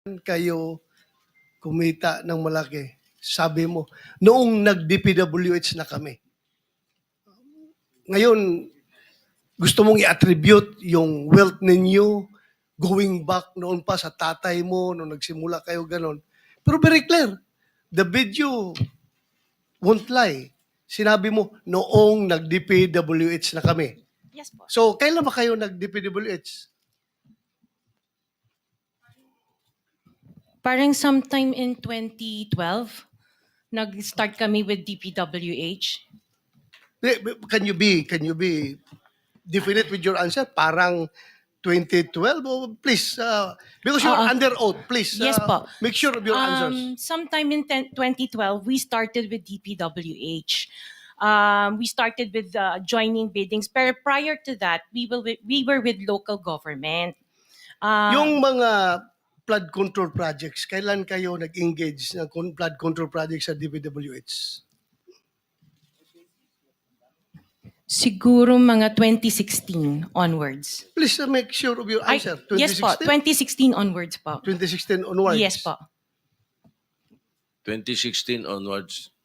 kayo kumita ng malaki? Sabi mo, noong nag-DPWH na kami. Ngayon, gusto mong i-attribute yung wealth ninyo going back noon pa sa tatay mo, nung nagsimula kayo ganon. Pero very clear, the video won't lie. Sinabi mo, noong nag-DPWH na kami. Yes po. So, kailan ba kayo nag-DPWH? Parang sometime in 2012, nag-start kami with DPWH. Can you be definite with your answer? Parang 2012? Oh, please, because you're under oath, please. Yes po. Make sure of your answers. Sometime in 2012, we started with DPWH. We started with joining biddings. Pero prior to that, we were with local government. Yung mga flood control projects, kailan kayo nag-engage ng flood control projects sa DPWH? Siguro mga 2016 onwards. Please make sure of your answer. Yes po, 2016 onwards po. 2016 onwards. Yes po. 2016 onwards.